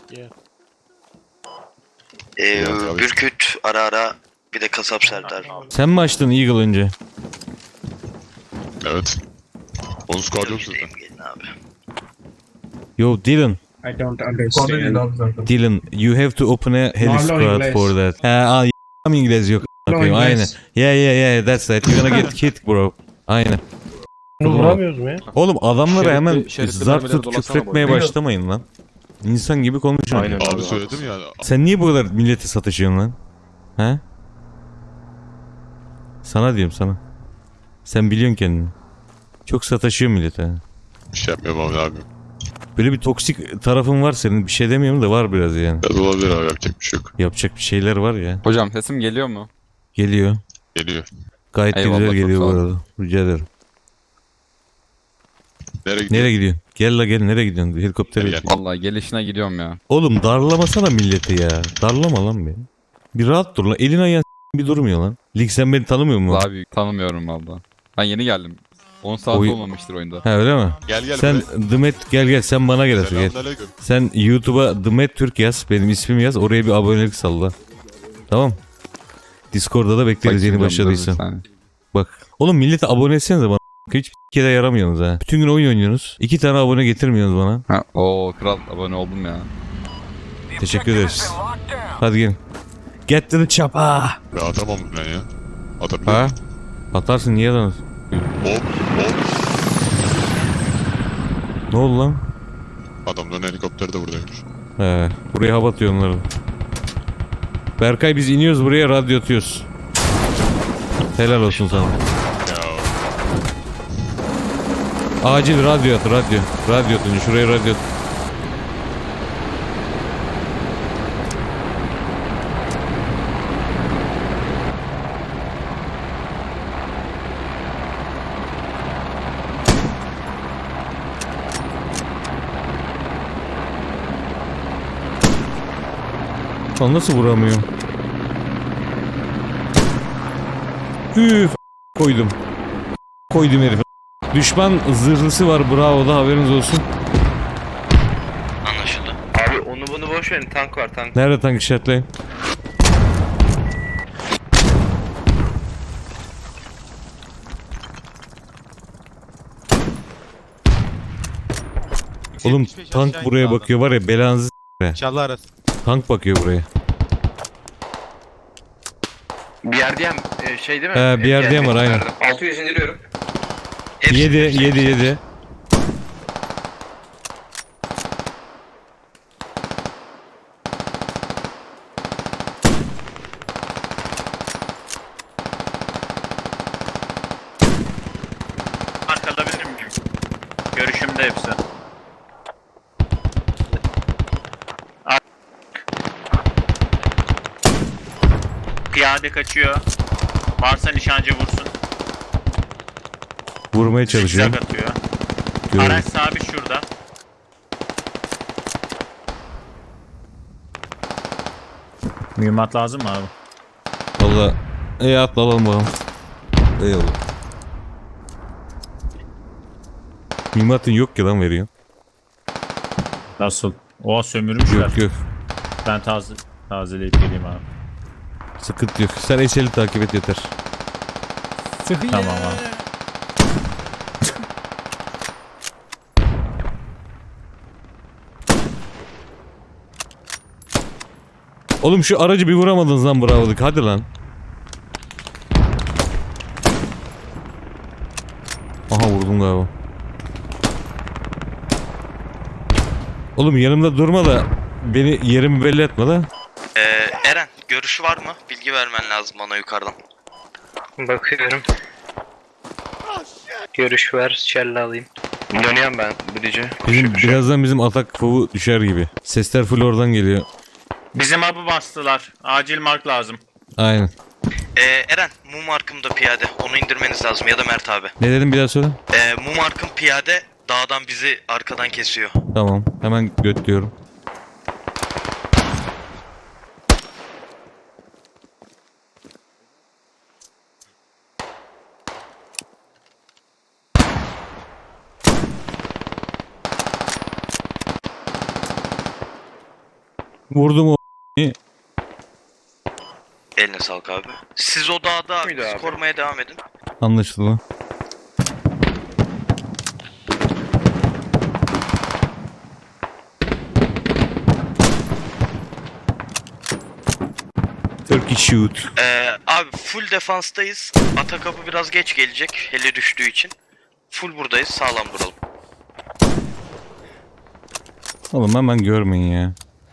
Yeah. Bürküt ara ara bir de Kasap Serdar. Sen mi açtın Eagle önce? Evet. Onun squad yok zaten. Gelin abi. Yo Dylan. I don't understand. Dylan, you have to open a heli No squad English. for that. İngiliz yok. No Okay, aynen. English. Yeah, that's right. You're gonna get killed bro. Aynen. Vuramıyoruz mu ya? Oğlum adamlara hemen şeritli zart mermileri tut dolasana küfretmeye böyle. başlamayın lan. İnsan gibi konuşun. Aynen. Abi Abi, söyledim ya. Sen niye bu kadar millete satışıyorsun lan? He? Sana diyorum sana. Sen biliyorsun kendini. Çok sataşıyor millete. Bir şey yapmıyorum abi. Böyle bir toksik tarafın var senin. Bir şey demiyorum da var biraz yani. Biraz olabilir abi, yapacak bir şey yok. Yapacak bir şeyler var ya. Hocam sesim geliyor mu? Geliyor. Geliyor. Gayet de Eyvallah, güzel çok geliyor bu sağ ol. arada. Rica ederim. Nereye gidiyor? Nereye gidiyorsun? Gel la gel, nereye gidiyorsun? Helikoptere Gel, git. Vallahi gelişine gidiyorum ya. Oğlum darlamasana milleti ya. Darlama lan beni. Bir rahat dur lan. Elin ayağın bir durmuyor lan. Lig sen beni tanımıyor musun? Daha büyük tanımıyorum valla. Ben yeni geldim. 10 saat Oy- olmamıştır oyunda. Ha öyle mi? Gel Sen Dımet gel sen bana gel. Gel. Selamünaleyküm. Sen YouTube'a Dımet Türk yaz. Benim ismimi yaz. Oraya bir abonelik salla. Tamam. Discord'da da bekleriz yeni başladıysan. Bak. Oğlum millete abone etsenize bana. Hiç kere yaramıyorsunuz ha. Bütün gün oyun oynuyorsunuz. 2 tane abone getirmiyorsunuz bana. Ha, o kral abone oldum ya. Teşekkür ederiz. Hadi gelin. Get to the chopper. Ben atamam ben ya. Atabilir Ha? miyim? Atarsın niye lan? Hop. Ne oldu lan? Adamların helikopteri de buradaymış. He, buraya hava atıyor onları. Berkay biz iniyoruz buraya, radyo atıyoruz. Helal olsun sana. Ya Acil radyo at, radyo. Radyo atın, şuraya radyo at. Lan nasıl vuramıyorum? Üf koydum. Koydum herif. Düşman zırhlısı var, bravo da haberiniz olsun. Anlaşıldı. Abi onu bunu boş verin, tank var tank. Nerede tank işaretleyin? Oğlum tank buraya bakıyor var ya, belanızı İnşallah arası. tank bakıyor buraya. Bir yerdeyim şey değil mi? He, bir yerdeyim var aynen. 600 indiriyorum. 7. Mark alabilir miyim? Görüşümde hepsi. Piyade kaçıyor. Varsa nişancı vursun. Vurmaya çalışıyorum. Zigzag atıyor. Görüyorum. Araç sabit şurada. Mühimmat lazım mı abi? Valla atla alalım bakalım. Eyvallah. Mimatın yok ki lan veriyor. Nasıl? O sömürmüşler. Yok. Ben tazeleyip geleyim abi. Sıkıntı yok. Sen Eşel'i takip et yeter. Tamam abi. Oğlum şu aracı bir vuramadınız lan, bravo'luk. Hadi lan. Aha vurdum galiba. Oğlum yanımda durma da beni yerimi belli etme lan. Eren görüşü var mı? Bilgi vermen lazım bana yukarıdan. Bakıyorum. Görüş ver, şelle alayım. Dönüyorum ben Bridge'e. Birazdan bizim atak fovu düşer gibi. Sesler full oradan geliyor. Bizim hub'ı bastılar. Acil mark lazım. Aynen. Eren mum arkımda piyade. Onu indirmeniz lazım ya da Mert abi. Ne dedim bir daha söyle. Mum arkım piyade dağdan bizi arkadan kesiyor. Tamam. Hemen götürüyorum. Vurdum o. Eline sağlık abi. Siz o dağda Muydu bizi abi? korumaya devam edin. Anlaşıldı lan. Turkey shoot. Abi full defanstayız. Atakapı biraz geç gelecek. Heli düştüğü için. Full buradayız. Sağlam duralım. Oğlum hemen görmeyin ya.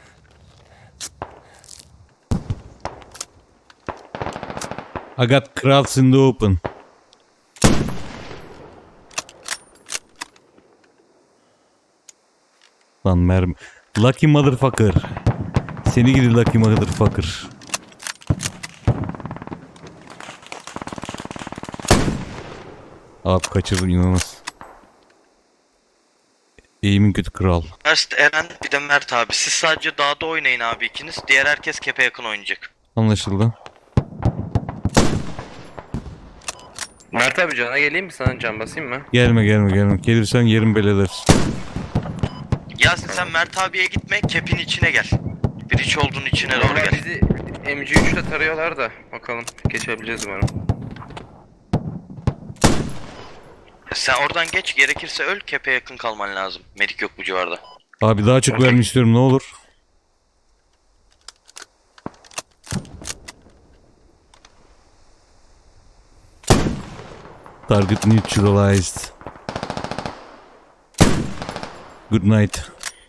I got crowds in the open. Lan mermi. Lucky motherfucker. Seni gidi lucky motherfucker. Abi kaçırdım inanılmaz. Eğimin kötü kral. Erst Eren bir de Mert abi. Siz sadece dağda oynayın abi ikiniz. Diğer herkes kepe yakın oynayacak. Anlaşıldı. Mert abi cana geleyim mi, sana can basayım mı? Gelme. Gelirsen yerin beleder. Yasin sen Mert abiye gitme. Kepin içine gel. Bridge olduğun içine doğru Onlar gel. bizi MG3 ile tarıyorlar da bakalım geçebileceğiz mi onu? Sen oradan geç. Gerekirse öl. Kepe yakın kalman lazım. Medik yok bu civarda. Abi daha çok vermek istiyorum ne olur. Target neutralized. Good night.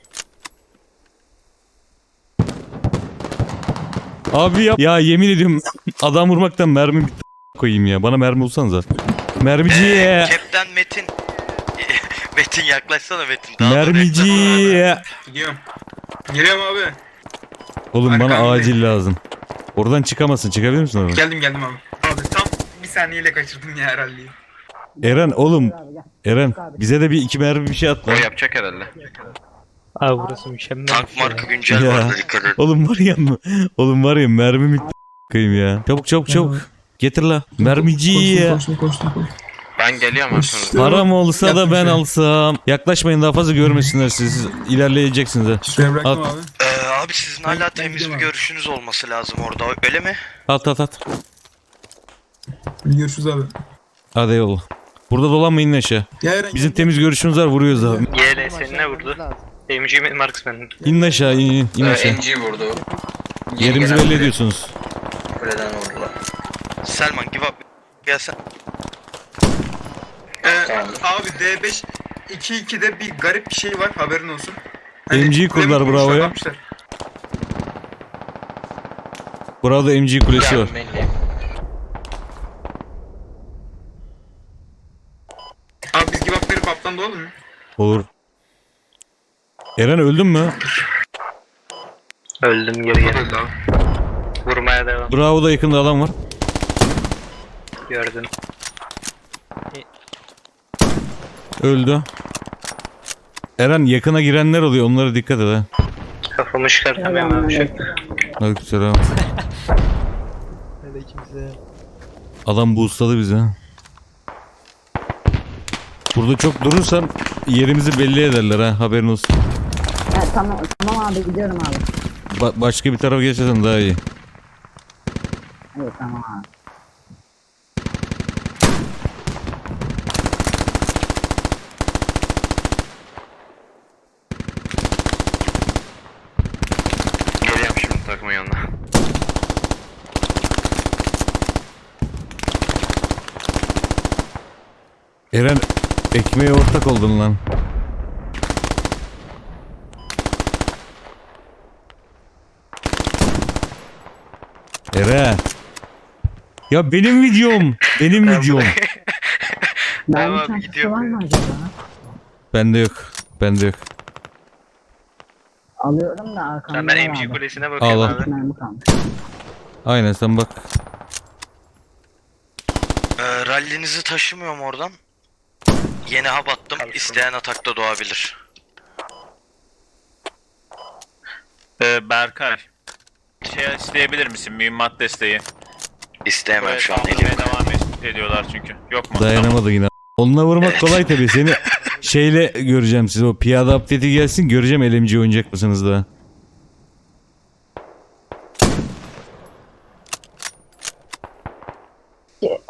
Abi ya yemin ediyorum adam vurmaktan mermi bitti koyayım ya. Bana mermi bulsanıza. Mermiciye. Kepten Metin. Metin yaklaşsana Metin. Daha da Mermiciye. Gidiyorum. Geliyorum abi. Oğlum bana Arkamdayım. acil lazım. Oradan çıkamazsın. Çıkabilir misin oradan? Geldim abi. Abi tam bir saniyeyle kaçırdım ya herhalde. Eren oğlum. Eren bize de bir iki mermi bir şey at O lan. yapacak herhalde. Abi burası mükemmel. Tank markı güncel Ya. vardı dikkat edin. Oğlum var ya mermi bitti koyayım ya. Çabuk. Getir la. Mermici ya. Koştum. Ben geliyorum arkanızda. Param olsa da Yaptım ben şey. alsam. Yaklaşmayın daha fazla görmesinler siz. İlerleyeceksiniz ha. Şuraya bıraktım At. abi. Abi sizin hala temiz bir gidiyorum abi. görüşünüz olması lazım orada. Öyle mi? At. Görüşürüz abi. Hadi eyvallah. Burada dolanmayın aşağı. Ya Eren Bizim temiz görüşümüz var vuruyoruz abi. YL seni ne vurdu? MG Marksman. İn aşağı in aşağı. MG vurdu. Yerimizi belli ediyorsunuz. Kuleden vurdular. Selman give up. Gelsen. Abi D5 2-2'de bir garip bir şey var, haberin olsun. MG kurdular, kulemi bravo ya. yapmışlar. Burada MG kulesi var. Abi biz give up verip aptan da olur mu? Olur. Eren öldün mü? Öldüm geri gel. Öldü abi. Vurmaya devam. Bravo da yakında adam var. Gördüm. Öldü. Eren yakına girenler oluyor onlara dikkat et ha. Kafamı çıkartamıyorum abi. Aleykümselam. Adam boostladı bizi. Burada çok durursan yerimizi belli ederler ha haberin olsun. Evet, tamam abi gidiyorum abi. Başka bir tarafa geçersen daha iyi. Evet tamam abi. Geliyorum şimdi takımın yanına. Eren ekmeğe ortak oldun lan. Eren. Ya benim videom. Benim videom. Mermi abi, çantası gidiyor. var mı acaba? Bende yok. Alıyorum da arkamda Ben var MG abi. kulesine bakıyorum Al. abi. Mermi kalmış. Aynen sen bak. Rallinizi taşımıyorum oradan. Yeni hub attım. İsteyen atakta doğabilir. Berkay. Şey isteyebilir misin? Mühimmat desteği. İsteyemem Buraya şu an saldırmaya elim. devam ediyorlar çünkü. Yok mu? Dayanamadı yine. Onunla vurmak kolay tabii. Seni şeyle göreceğim sizi. O piyade update'i gelsin. Göreceğim LMG oynayacak mısınız daha.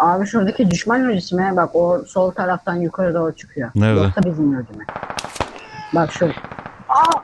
Abi şuradaki düşman lojisi mi? Bak o sol taraftan yukarı doğru çıkıyor. Nerede? Yoksa bizim loji mi? Bak şu. Aa!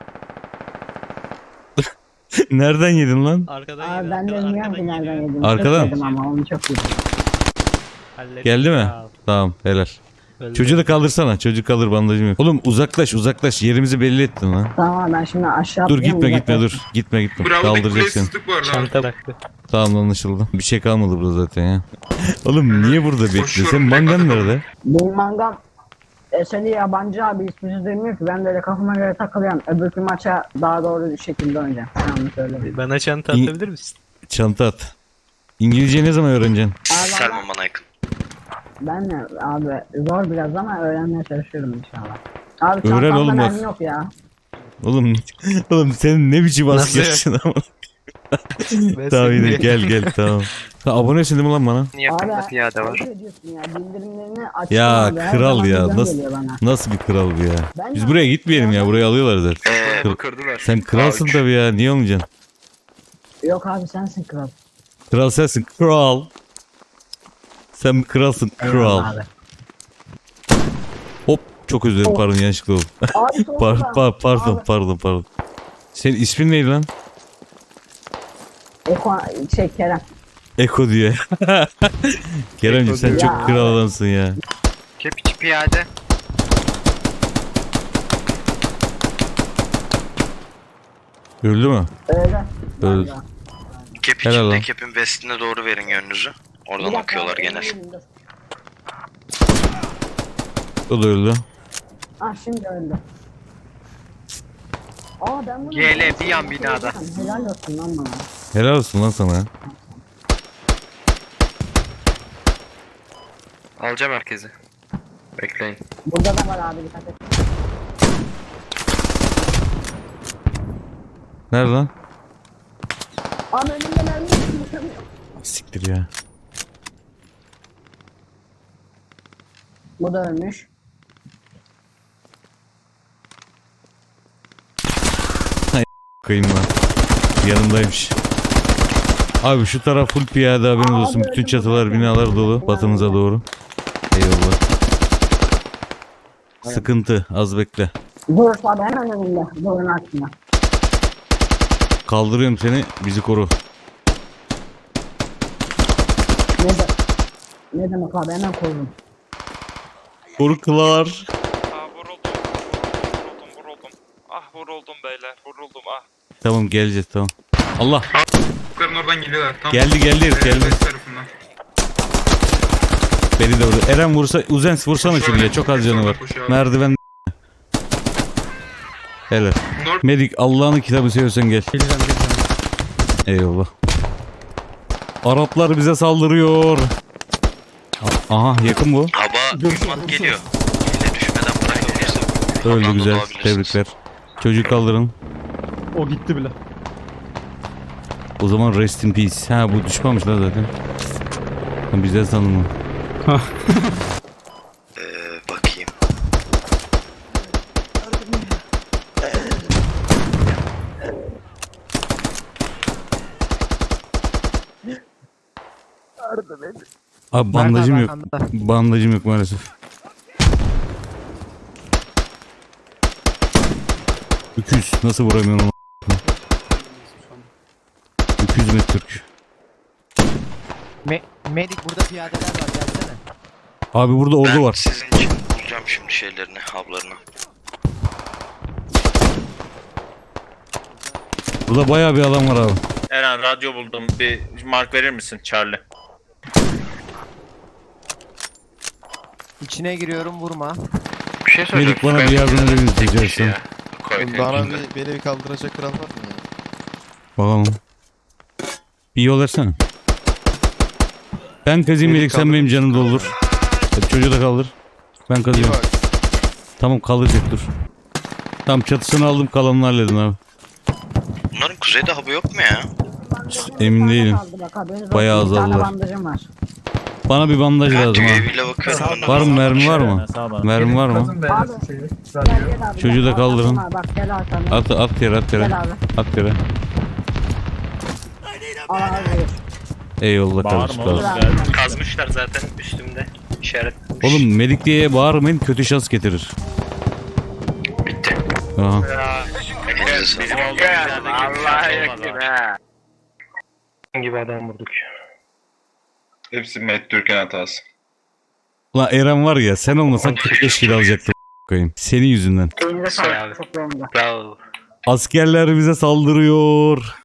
Nereden yedin lan? Arkadan Abi yedi, ben de arkadan- bilmiyorum ki arkadan nereden geliyor. yedim. Arkadan? Çok yedim ama onu çok yedim. Hallettim Geldi mi? ya. Tamam helal. Öldü. Çocuğu da kaldırsana. Çocuk kalır, bandajım yok. Oğlum uzaklaş. Yerimizi belli ettin lan. Tamam abi ben şimdi aşağı Dur atlayacağım, gitme uzaklaşayım. dur. Gitme. Bravo'daki Kaldıracak kuleye seni. sızdık bu arada. Çanta bıraktı. Tamam anlaşıldı. Bir şey kalmadı burada zaten ya. Oğlum niye burada bekliyorsun? Koşuyorum, Senin mangan direkt nerede? Benim mangam eseri yabancı abi ismini duymuyor ki ben böyle kafama göre takılıyorum. Öbürkü maça daha doğru bir şekilde oynayacağım. Tamam söyle. Bana çanta İyi. atabilir misin? Çanta at. İngilizceyi ne zaman öğreneceksin? Selman bana yakın. Ben de abi zor biraz ama öğrenmeye çalışıyorum inşallah. Abi Öğren çantamda oğlum bak. mermi yok ya. Oğlum senin ne biçim Nasıl askersin ama. Ben Tamam seni- yine gel tamam. Sen abonesin değil mi lan bana? Yakında Abi piyade var. ne diyorsun ya bildirimlerini açtım Ya abi, her kral zaman ya, bildirim nasıl- geliyor bana. Nasıl bir kral bu ya? Ben Biz de- buraya gitmeyelim ya. Burayı alıyorlar zaten. Bu kırdılar. Sen kralsın A3. tabii ya. Niye olmayacaksın? Yok abi sensin kral. Kral sensin. Kral. Sen bir kralsın. Kral. Eyvallah abi. Hop. Çok özür dilerim. Pardon yanlışlıkla oldu. Abi solda. Pardon. Senin ismin neydi lan? Eko Kerem. Eko diyor. Keremciğim sen diyor. çok Ya kral abi. adamsın ya. Kepiç piyade. Öldü mü? Öyle. Öldü. Vallahi. Kep Helal içinde lan. kepin vestine doğru verin yönünüzü. Bir Oradan dakika bakıyorlar abi, genel. elimde. O da öldü. Ah şimdi öldü. Aa ben bunu... GL bir yan binada. Helal olsun lan bana. Helal olsun lan sana. Alacağım herkesi. Bekleyin. Burada da var abi dikkat et. Nerede lan? Abi önümde mermi yok. Siktir ya. Bu da ölmüş. Kıyım lan. Yanındaymış. Abi şu taraf full piyade haberiniz olsun. Bütün çatılar, binalar dolu. Batımıza doğru. Eyvallah. Sıkıntı. Az bekle. Dur abi hemen önümde. Durun altında. Kaldırıyorum seni. Bizi koru. Ne demek abi hemen koydum. Koru kılar. Vuruldum. Ah vuruldum beyler, vuruldum ah. Tamam geleceğiz tamam. Allah. Yukarıdan oradan geliyorlar. Tam Geldi herif geldi. west tarafından. Beni de vurdu. Eren vursa, Uzens vursana Koşuyor, şuraya. Çok az canı var. koşuyor abi. Merdiven. Helal. Bunlar Medik Allah'ın kitabı seviyorsan gel. Eyvallah. Araplar bize saldırıyor. Aha yakın bu. Hava düşman geliyor. Yine düşmeden bırakabilirsin. Öldü Ondan da güzel. doğabilirsiniz. Tebrikler. Çocuk kaldırın. O gitti bile. O zaman rest in peace. Ha bu düşmamış lan zaten. Ben bizden sandım onu. Bakayım. Abi bandajım yok. Bandajım yok maalesef. Öküz. Nasıl vuramıyorum onu? Öküz mü Türk? Medik burada piyadeler var gelsene. Abi burada ordu Ben var. sizin için bulacağım şimdi şeylerini, haplarını. Burada bayağı bir adam var abi. Eren radyo buldum. Bir mark verir misin Charlie? İçine giriyorum vurma. Bir şey söyleyeceğim. Medik bana bir yardım edebilir Tek rica kişi etsem. ya. Koy tek. Beni bir kaldıracak kral var mı? Bakalım. Bir yol versene. Ben kazayım Medik sen benim canım doldur. Hadi çocuğu da kaldır. Ben kazıyorum. Tamam kaldıracak dur. Tamam çatısını aldım kalanını halledin abi. Bunların kuzeyde hava yok mu ya? Emin değilim. Bayağı Bir tane azaldılar. bandajım var. Bana bir bandaj Ben lazım ha. UAV ile bakıyorum. Var mı mermi var mı? Mermi var mı? Abi gel abi. Çocuğu da kaldırın. Bak gel arkamda. At yere at yere. Gel abi. At yere. Al abi. Eyvallah kardeşim. Bağırma oğlum. sağ ol. Geldim. Kazmışlar zaten üstümde. İşaret. Oğlum medik diye bağırmayın, kötü şans getirir. Bitti. Aha. Bizim olduğumuz yerde Allah'a yakın ha. Gibi adam vurduk. Hepsi Met Türk'ün hatası. Ulan Eren var ya, sen olmasan 45 kilo alacaktım koyayım. Senin yüzünden. Elinize Sağ ol. sağlık. Çok beğendim. Bravo. Askerler bize saldırıyor.